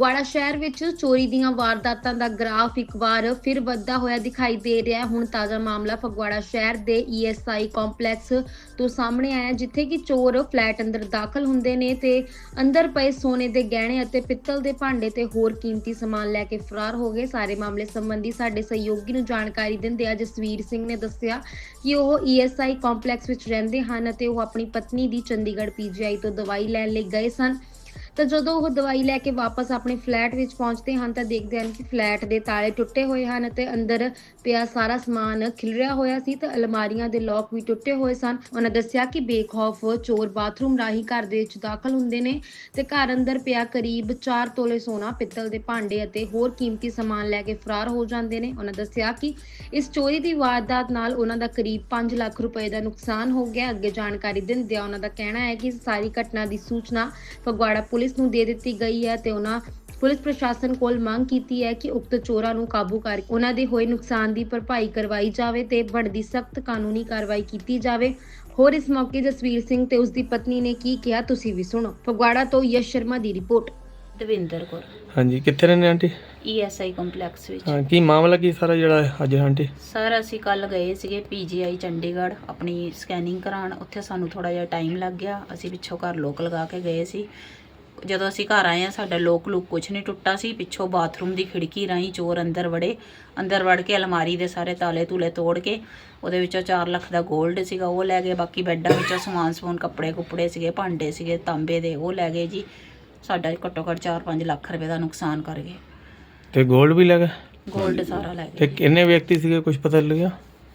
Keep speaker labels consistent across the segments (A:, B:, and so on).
A: ਫਗਵਾੜਾ ਸ਼ਹਿਰ ਵਿੱਚ ਚੋਰੀ ਦੀਆਂ ਵਾਰਦਾਤਾਂ ਦਾ ਗ੍ਰਾਫ ਇੱਕ ਵਾਰ ਫਿਰ ਵੱਧਦਾ ਹੋਇਆ ਦਿਖਾਈ ਦੇ ਰਿਹਾ ਹੈ। ਹੁਣ ਤਾਜ਼ਾ ਮਾਮਲਾ ਫਗਵਾੜਾ ਸ਼ਹਿਰ ਦੇ ESI ਕੰਪਲੈਕਸ ਤੋਂ ਸਾਹਮਣੇ ਆਇਆ, ਜਿੱਥੇ ਕਿ ਚੋਰ ਫਲੈਟ ਅੰਦਰ ਦਾਖਲ ਹੁੰਦੇ ਨੇ ਤੇ ਅੰਦਰ ਪਏ ਸੋਨੇ ਦੇ ਗਹਿਣੇ ਅਤੇ ਪਿੱਤਲ ਦੇ ਭਾਂਡੇ ਤੇ ਹੋਰ ਕੀਮਤੀ ਸਮਾਨ ਲੈ ਕੇ ਫਰਾਰ ਹੋ ਗਏ। ਸਾਰੇ ਮਾਮਲੇ ਸੰਬੰਧੀ ਸਾਡੇ ਸਹਿਯੋਗੀ ਨੂੰ ਜਾਣਕਾਰੀ ਦਿੰਦਿਆਂ ਜਸਵੀਰ ਸਿੰਘ ਨੇ ਦੱਸਿਆ ਕਿ ਉਹ ESI ਕੰਪਲੈਕਸ ਵਿੱਚ ਰਹਿੰਦੇ ਹਨ ਅਤੇ ਉਹ ਆਪਣੀ ਪਤਨੀ ਦੀ ਚੰਡੀਗੜ੍ਹ PGI ਤੋਂ ਦਵਾਈ ਲੈਣ ਲਈ ਗਏ ਸਨ। ਤਾਂ ਜਦੋਂ ਉਹ ਦਵਾਈ ਲੈ ਕੇ ਵਾਪਸ ਆਪਣੇ ਫਲੈਟ ਵਿੱਚ ਪਹੁੰਚਦੇ ਹਨ ਤਾਂ ਦੇਖਦੇ ਹਨ ਕਿ ਫਲੈਟ ਦੇ ਤਾਲੇ ਟੁੱਟੇ ਹੋਏ ਹਨ ਅਤੇ ਅੰਦਰ ਪਿਆ ਸਾਰਾ ਸਮਾਨ ਖਿਲਰਿਆ ਹੋਇਆ ਸੀ ਤੇ ਅਲਮਾਰੀਆਂ ਦੇ ਲੋਕ ਵੀ ਟੁੱਟੇ ਹੋਏ ਸਨ। ਉਹਨਾਂ ਦੱਸਿਆ ਕਿ ਬੇਖੌਫ ਚੋਰ ਬਾਥਰੂਮ ਰਾਹੀਂ ਘਰ ਦੇ ਵਿੱਚ ਦਾਖਲ ਹੁੰਦੇ ਨੇ ਤੇ ਘਰ ਅੰਦਰ ਪਿਆ ਕਰੀਬ 4 ਤੋਲੇ ਸੋਨਾ, ਪਿੱਤਲ ਦੇ ਭਾਂਡੇ ਅਤੇ ਹੋਰ ਕੀਮਤੀ ਸਮਾਨ ਲੈ ਕੇ ਫਰਾਰ ਹੋ ਜਾਂਦੇ ਨੇ। ਉਹਨਾਂ ਦੱਸਿਆ ਕਿ ਇਸ ਚੋਰੀ ਦੀ ਵਾਰਦਾਤ ਨਾਲ ਉਹਨਾਂ ਦਾ ਕਰੀਬ 5 ਲੱਖ ਰੁਪਏ ਦਾ ਨੁਕਸਾਨ ਹੋ ਗਿਆ। ਅੱਗੇ ਜਾਣਕਾਰੀ ਦਿੰਦਿਆਂ ਉਹਨਾਂ ਦਾ ਕਹਿਣਾ ਹੈ ਕਿ ਸਾਰੀ ਘਟਨਾ ਦੀ ਸੂਚਨਾ ਫਗਵਾੜਾ ਪੁਲਿਸ ਨੂੰ ਦੇ ਦਿੱਤੀ ਗਈ ਹੈ ਤੇ ਉਹਨਾਂ ਪੁਲਿਸ ਪ੍ਰਸ਼ਾਸਨ ਕੋਲ ਮੰਗ ਕੀਤੀ ਹੈ ਕਿ ਉਕਤ ਚੋਰਾਂ ਨੂੰ ਕਾਬੂ ਕਰਕੇ ਉਹਨਾਂ ਦੇ ਹੋਏ ਨੁਕਸਾਨ ਦੀ ਭਰਪਾਈ ਕਰਵਾਈ ਜਾਵੇ ਤੇ ਬਣਦੀ ਸਖਤ ਕਾਨੂੰਨੀ ਕਾਰਵਾਈ ਕੀਤੀ ਜਾਵੇ। ਹੋਰ ਇਸ ਮੌਕੇ ਜਸਵੀਰ ਸਿੰਘ ਤੇ ਉਸ ਦੀ ਪਤਨੀ ਨੇ ਕੀ ਕਿਹਾ, ਤੁਸੀਂ ਵੀ ਸੁਣੋ। ਫਗਵਾੜਾ ਤੋਂ ਯਸ਼ ਸ਼ਰਮਾ ਦੀ ਰਿਪੋਰਟ।
B: ਦਵਿੰਦਰ ਕੌਰ।
C: ਹਾਂਜੀ, ਕਿੱਥੇ ਰਹਿੰਦੇ ਆਂਟੀ?
B: ESI ਕੰਪਲੈਕਸ ਵਿੱਚ।
C: ਹਾਂ, ਕੀ ਮਾਮਲਾ ਕੀ ਸਾਰਾ ਜਿਹੜਾ ਅੱਜ ਆਂਟੀ?
B: ਸਰ ਅਸੀਂ ਕੱਲ ਗਏ ਸੀਗੇ PGI ਚੰਡੀਗੜ੍ਹ ਆਪਣੀ ਸਕੈਨਿੰਗ ਕਰਾਉਣ। ਉੱਥੇ ਸਾਨੂੰ ਥੋੜਾ ਜਿਹਾ ਟਾਈਮ ਲੱਗ ਗਿਆ। ਅਸੀਂ ਪਿੱਛੋਂ ਘਰ ਲੋਕ ਲਗਾ ਕੇ ਗਏ ਸੀ। ਜਦੋਂ ਅਸੀਂ ਘਰ ਆਏ ਆ ਸਾਡਾ ਲੋਕ ਕੁਛ ਨਹੀਂ ਟੁੱਟਾ ਸੀ। ਪਿੱਛੋਂ ਬਾਥਰੂਮ ਦੀ ਖਿੜਕੀ ਰਾਹੀਂ ਚੋਰ ਅੰਦਰ ਵੜ ਕੇ ਅਲਮਾਰੀ ਦੇ ਸਾਰੇ ਤਾਲੇ ਤੂਲੇ ਤੋੜ ਕੇ ਉਹਦੇ ਵਿੱਚੋਂ 4 ਲੱਖ ਦਾ 골ਡ ਸੀਗਾ ਉਹ ਲੈ ਗਏ। ਬਾਕੀ ਬੈੱਡਾਂ ਵਿੱਚੋਂ ਸਮਾਨ ਕੱਪੜੇ ਸੀਗੇ, ਭਾਂਡੇ ਸੀਗੇ ਤਾਂਬੇ ਦੇ, ਉਹ ਲੈ ਗਏ ਜੀ। ਸਾਡਾ ਘੱਟੋ ਘੱਟ 4-5 ਲੱਖ ਰੁਪਏ ਦਾ ਨੁਕਸਾਨ ਕਰ ਗਏ। ਤੇ
C: 골ਡ ਵੀ ਲੈ ਗਏ?
B: 골ਡ ਸਾਰਾ ਲੈ ਗਏ।
C: ਤੇ ਕਿੰਨੇ ਵਿਅਕਤੀ ਸੀਗੇ, ਕੁਝ ਪਤਾ ਲੱਗਿਆ?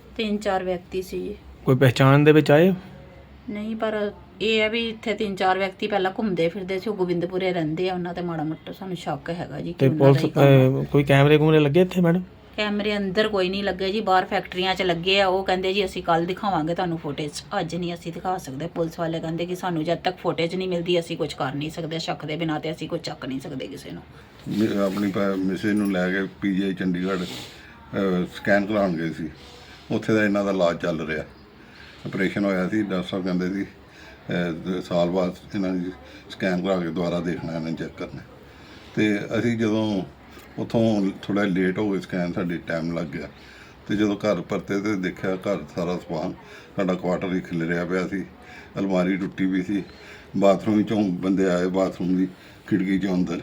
B: 3-4 ਵਿਅਕਤੀ ਸੀ ਜੀ।
C: ਕੋਈ ਪਹਿਚਾਣ ਦੇ ਵਿੱਚ ਆਏ?
B: ਨਹੀਂ, ਪਰ ਇਹ ਹੈ ਵੀ ਇੱਥੇ 3-4 ਵਿਅਕਤੀ ਪਹਿਲਾਂ ਘੁੰਮਦੇ ਫਿਰਦੇ ਸੀ। ਉਹ ਗੋਬਿੰਦਪੁਰੇ ਰਹਿੰਦੇ ਆ, ਉਹਨਾਂ ਤੇ ਮਾੜਾ ਮੋਟਾ ਸਾਨੂੰ ਸ਼ੱਕ ਹੈਗਾ ਜੀ।
C: ਤੇ ਪੁਲਿਸ ਕੋਈ ਕੈਮਰੇ ਕੁਮਰੇ ਲੱਗੇ ਇੱਥੇ ਮੈਡਮ?
B: ਕੈਮਰੇ ਅੰਦਰ ਕੋਈ ਨਹੀਂ ਲੱਗੇ ਜੀ, ਬਾਹਰ ਫੈਕਟਰੀਆਂ 'ਚ ਲੱਗੇ ਆ। ਉਹ ਕਹਿੰਦੇ ਜੀ ਅਸੀਂ ਕੱਲ ਦਿਖਾਵਾਂਗੇ ਤੁਹਾਨੂੰ ਫੁਟੇਜ, ਅੱਜ ਨਹੀਂ ਅਸੀਂ ਦਿਖਾ ਸਕਦੇ। ਪੁਲਿਸ ਵਾਲੇ ਕਹਿੰਦੇ ਕਿ ਸਾਨੂੰ ਜਦ ਤੱਕ ਫੁਟੇਜ ਨਹੀਂ ਮਿਲਦੀ ਅਸੀਂ ਕੁਝ ਕਰ ਨਹੀਂ ਸਕਦੇ। ਸ਼ੱਕ ਦੇ ਬਿਨਾਂ ਤੇ ਅਸੀਂ ਕੁਝ ਚੱਕ ਨਹੀਂ ਸਕਦੇ ਕਿਸੇ ਨੂੰ।
D: ਆਪਣੀ ਮਿਸੇ ਨੂੰ ਲੈ ਕੇ PGI ਚੰਡੀਗੜ੍ਹ ਸਕੈਨ ਕਰਾਉਣ ਗਏ ਸੀ। ਉੱਥੇ ਦਾ ਇਹਨਾਂ ਦਾ ਇਲਾਜ ਚੱਲ ਰਿਹਾ, ਆਪਰੇਸ਼ਨ ਹੋਇਆ ਸੀ। ਡਾਕਟਰ ਸਾਹਿਬ ਕਹਿੰਦੇ ਸੀ ਸਾਲ ਬਾਅਦ ਇਹਨਾਂ ਦੀ ਸਕੈਨ ਕਰਾ ਕੇ ਦੁਬਾਰਾ ਦੇਖਣਾ, ਇਹਨਾਂ ਚੈੱਕ ਕਰਨਾ। ਅਤੇ ਅਸੀਂ ਜਦੋਂ ਉੱਥੋਂ ਥੋੜ੍ਹਾ ਲੇਟ ਹੋ ਗਏ, ਸਕੈਨ ਸਾਡੀ ਟਾਈਮ ਲੱਗ ਗਿਆ। ਅਤੇ ਜਦੋਂ ਘਰ ਪਰਤੇ ਤਾਂ ਦੇਖਿਆ ਘਰ ਸਾਰਾ ਸਮਾਨ ਸਾਡਾ ਕੁਆਟਰ ਹੀ ਖਿਲਰਿਆ ਪਿਆ ਸੀ। ਅਲਮਾਰੀ ਟੁੱਟੀ ਵੀ ਸੀ। ਬਾਥਰੂਮ ਵਿੱਚੋਂ ਬੰਦੇ ਆਏ, ਬਾਥਰੂਮ ਦੀ ਖਿੜਕੀ 'ਚੋਂ ਅੰਦਰ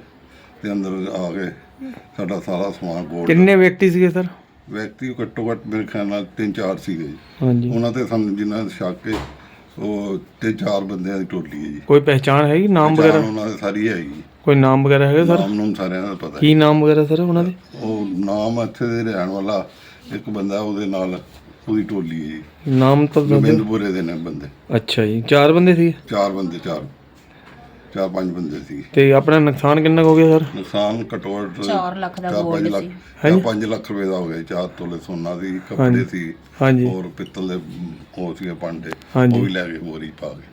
D: ਆ ਕੇ ਸਾਡਾ ਸਾਰਾ ਸਮਾਨ ਗੋਲਡ।
C: ਕਿੰਨੇ ਵਿਅਕਤੀ ਸੀਗੇ ਸਰ?
D: ਵਿਅਕਤੀ ਘੱਟੋ ਘੱਟ ਮੇਰੇ ਖਿਆਲ ਨਾਲ 3-4 ਸੀਗੇ ਜੀ।
C: ਹਾਂਜੀ,
D: ਉਹਨਾਂ ਤੇ ਸਾਨੂੰ ਜਿੰਨਾ ਸ਼ੱਕ ਹੈ ਉਹ 3-4 ਬੰਦਿਆਂ ਦੀ ਟੋਲੀ ਹੈ ਜੀ।
C: ਕੋਈ ਪਹਿਚਾਣ ਹੈਗੀ, ਨਾਮ ਵਗੈਰਾ?
D: ਉਹਨਾਂ ਦੇ ਸਾਰੀ ਹੈਗੀ।
C: ਕੋਈ ਨਾਮ ਵਗੈਰਾ ਹੈਗਾ ਸਰ?
D: ਨਾਮ ਸਾਰਿਆਂ ਦਾ ਪਤਾ।
C: ਕੀ ਨਾਮ ਵਗੈਰਾ ਸਰ ਉਹਨਾਂ ਦੇ?
D: ਉਹ ਨਾਮ ਇੱਥੇ ਦੇ ਰਹਿਣ ਵਾਲਾ ਇੱਕ ਬੰਦਾ, ਉਹਦੇ ਨਾਲ ਉਹਦੀ ਟੋਲੀ ਹੈ ਜੀ।
C: ਨਾਮ ਤਾਂ
D: ਗੋਬਿੰਦਪੁਰੇ ਦੇ ਨੇ ਬੰਦੇ।
C: ਅੱਛਾ ਜੀ, 4 ਬੰਦੇ ਸੀ?
D: 4 ਬੰਦੇ, 4-5 ਬੰਦੇ ਸੀ।
C: ਤੇ ਆਪਣਾ ਨੁਕਸਾਨ ਕਿੰਨਾ ਕੁ ਹੋ ਗਿਆ ਸਰ?
D: ਨੁਕਸਾਨ ਘੱਟੋ ਘੱਟ
B: 4 ਲੱਖ ਦਾ
D: 4-5
B: 골ਡ
D: ਲੱਖ
B: ਸੀ।
D: 5 ਲੱਖ ਰੁਪਏ ਦਾ ਹੋ ਗਿਆ। 4 ਤੋਲੇ ਸੋਨਾ ਸੀ, ਕੱਪੜੇ ਸੀ,
C: ਹਾਂਜੀ,
D: ਹੋਰ ਪਿੱਤਲ ਦੇ ਹੋਰ ਸੀਗੇ ਭਾਂਡੇ,
C: ਹਾਂਜੀ।
D: ਉਹ ਵੀ ਲੈ ਕੇ ਬੋਰੀ ਪਾ ਕੇ।